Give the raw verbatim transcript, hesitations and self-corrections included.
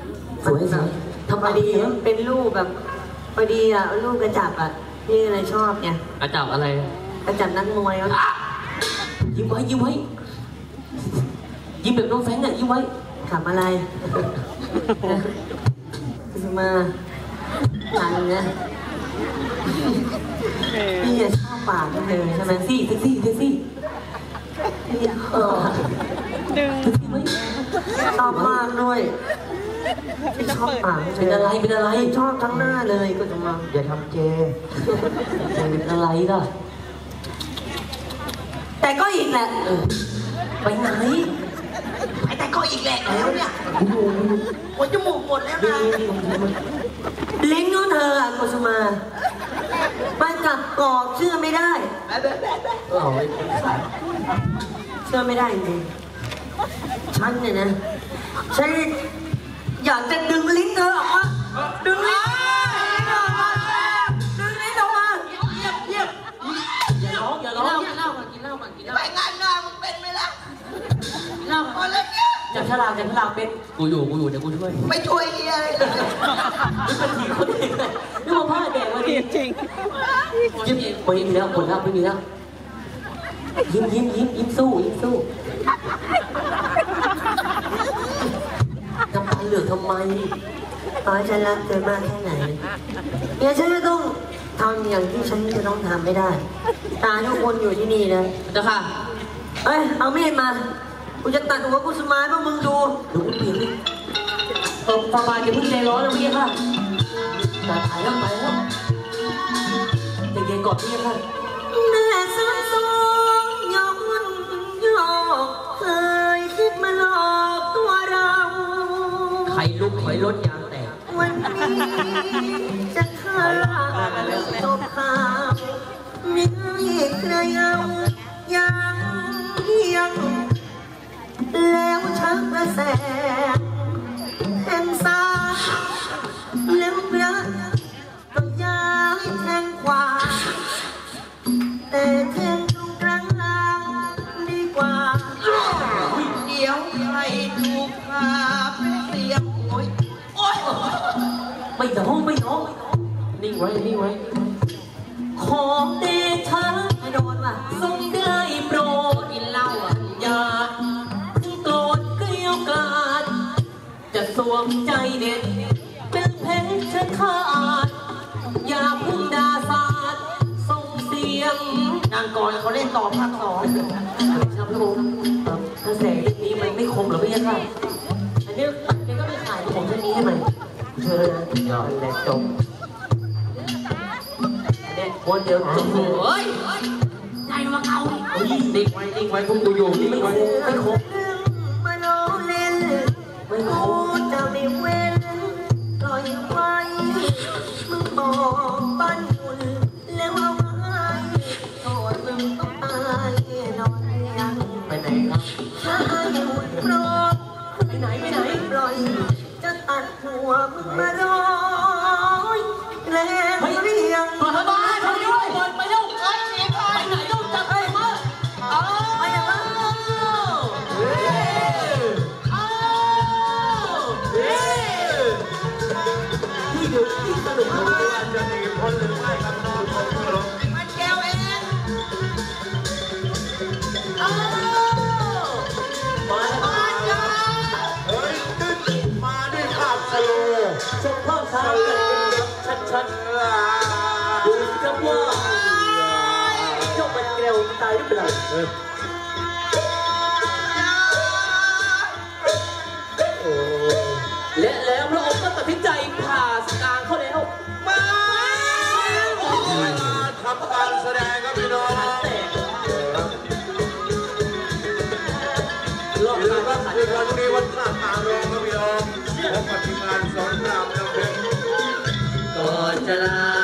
สวยสวยทำพอดีเป็นรูปแบบพอดีอ่ะรูปกระจับอ่ะพี่อะไรชอบไงกระจับอะไรกระจับนักมวยอ่ะยิ้มไว้ยิ้มไว้ยิ้มแบบน้องแฟงอ่ะยิ้มไว้ขำอะไรมาหลังเนี่ยพี่ชอบปากกันเลยใช่ไหมซี่เซ็กซี่เซ็กซี่เออชอบมากด้วยชอบปากเป็นอะไรเป็นอะไรชอบทั้งหน้าเลยก็จะมาอย่าทำเจเป็นอะไรล่ะแต่ก็อีกแหละไปไหนไปแต่ก็อีกแหละแล้วเนี่ยหมดจมูกหมดแล้วนะลิ้นของเธออะกุสุมาไปกับกอกเชื่อไม่ได้เชื่อไม่ได้จริงฉันเนี่ยนะฉันอยากจะดึงลิ้นเธอออกมาดึงลิ้นออกมาดึงลิ้นออกมาเยียบเยียบอย่าร้องอย่าร้องกินเหล้าก่อนกินเหล้าก่อนกินเหล้าไปงานงานมึงเป็นไหมล่ะกินเหล้าก่อนเลยเนี่ยจับฉลากจับฉลากเป็นกูอยู่กูอยู่เดี๋ยวกูช่วยไม่ช่วยเฮียเลยนี่เป็นทีคนเองเลยนี่มาพลาดแดงมาดิจริงยิ้มไม่มีแล้วหมดแล้วไม่มีแล้วยิ้มยิ้มยิ้มยิ้มสู้ยิ้มสู้ทำไมเหลือทำไมตอนฉันรักเธอมากแค่ไหนเนี่ยฉันจะต้องทำอย่างที่ฉันจะต้องทำไม่ได้ตาทุกคนอยู่ที่นี่นะเจ้าค่ะเอ้ยเอามีดมากูจะตัดหัวกุสุมาให้พวกมึงดูดูกูเปลี่ยนดิเออประมาณจะเพิ่งใจร้อนแล้วพี่ค่ะแต่ถ่ายแล้วไปแล้วใจเย็นก่อนพี่ค่ะแม่สายสองย้อนยอกเคยคิดมาหลอกตัวเราใครลุกถอยรถยางแตกวันนี้จะฆ่าจบข่าวไม่ให้ใครเอายังยังแล้วชักกระแสแห่งสาแล้วพระก็ย้ายแทงขวาแต่แทงตรงกลางหลังดีกว่าเดี๋ยวใครถูกพาเป็นเสียงโอยโอ๊ยไม่ร้องไม่ร้องนิ่งไว้นิ่งไว้ขอเดชะไม่โดนว่ะทรงได้โปรดกินเหล้าอ่ะอย่าโกรธเกลียวกราดจะสวมใจเด็ดเป็นเพชรขาดอย่าพึ่งด่าสาดส่งเสียงนางก่อนเขาเล่นต่อภาคสองครับผมกระแสเรื่องนี้มันไม่คมหรอพี่ค่ะอันนี้ตัดไปก็ไม่ขายผมเรื่องนี้ให้มันเชิญยอดและจบอันนี้คนเดียวจบเฮ้ยใจมาเกานิ่งไว้นิ่งไว้พวกกูอยู่นิ่งไว้ไม่คมมาโนเล่นไม่คมจะไม่เว้นปล่อยไว้มึงบอกบ้านคุณแล้วเอาไว้โทษมึงต้องตายนอนยังไปไหนครับถ้าให้หุ่นโปรดไปไหนไปไหนปล่อยจะตัดหัวมึงมาร้อยแล้วเรียงมาทำไมทำด้วยไปเร็วไปไหนต้องจับไปมาไปยังไงนี่เดี๋ยวที่สนุกของเราจะหนีพ้นหรือไม่ครับน้องผมมันแก้วเองมาแล้วเฮ้ยขึ้นมาด้วยภาพสโลว์ชมภาพช้ากันชัดๆดูสิครับว่าเจ้ามันแก้วตายหรือเปล่าและแล้วพระองค์ก็ตัดสินใจผ่าสกางเขาแล้วมาทำการแสดงครับพี่น้องรอบการว่าขันคือวันนี้วันพระตารองครับพี่น้องพบกับทีมงานสอนรามน้ำเพชรก่อนจะลา